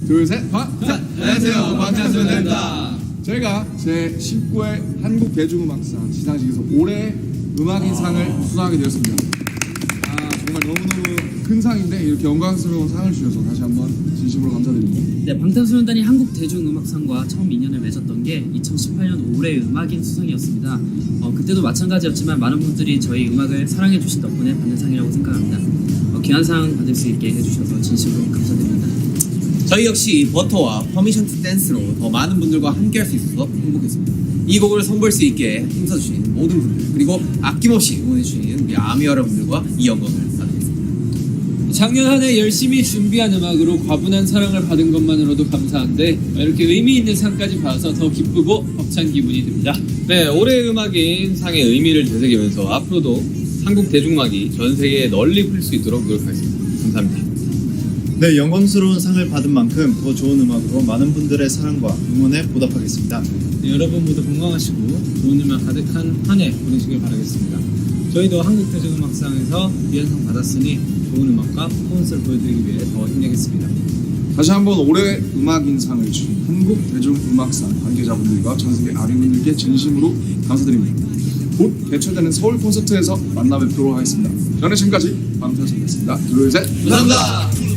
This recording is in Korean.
둘, 셋, 안녕하세요, 방탄소년단입니다. 제가 제19회 한국대중음악상 시상식에서 올해 음악인상을 수상하게 되었습니다. 정말 너무너무 큰 상인데 이렇게 영광스러운 상을 주셔서 다시 한번 진심으로 감사드립니다. 네, 방탄소년단이 한국대중음악상과 처음 인연을 맺었던 게 2018년 올해 음악인 수상이었습니다. 그때도 마찬가지였지만 많은 분들이 저희 음악을 사랑해주신 덕분에 받는 상이라고 생각합니다. 귀한 상 받을 수 있게 해주셔서 진심으로 감사드립니다. 저희 역시 버터와 퍼미션 투 댄스로 더 많은 분들과 함께할 수 있어서 행복했습니다. 이 곡을 선보일 수 있게 힘써주신 모든 분들, 그리고 아낌없이 응원해주신 우리 아미 여러분들과 이 영광을 받겠습니다. 작년 한 해 열심히 준비한 음악으로 과분한 사랑을 받은 것만으로도 감사한데 이렇게 의미 있는 상까지 받아서 더 기쁘고 벅찬 기분이 듭니다. 네, 올해 음악인 상의 의미를 되새기면서 앞으로도 한국 대중음악이 전 세계에 널리 풀릴 수 있도록 노력하겠습니다. 감사합니다. 네, 영광스러운 상을 받은 만큼 더 좋은 음악으로 많은 분들의 사랑과 응원에 보답하겠습니다. 네, 여러분 모두 건강하시고 좋은 음악 가득한 한 해 보내시길 바라겠습니다. 저희도 한국대중음악상에서 귀한 상 받았으니 좋은 음악과 퍼포먼스를 보여드리기 위해 더 힘내겠습니다. 다시 한번 올해 음악인상을 주신 한국대중음악상 관계자분들과 전세계 아미분들께 진심으로 감사드립니다. 곧 개최되는 서울 콘서트에서 만나 뵙도록 하겠습니다. 저는 지금까지 방탄소년단이었습니다. 둘, 셋, 감사합니다.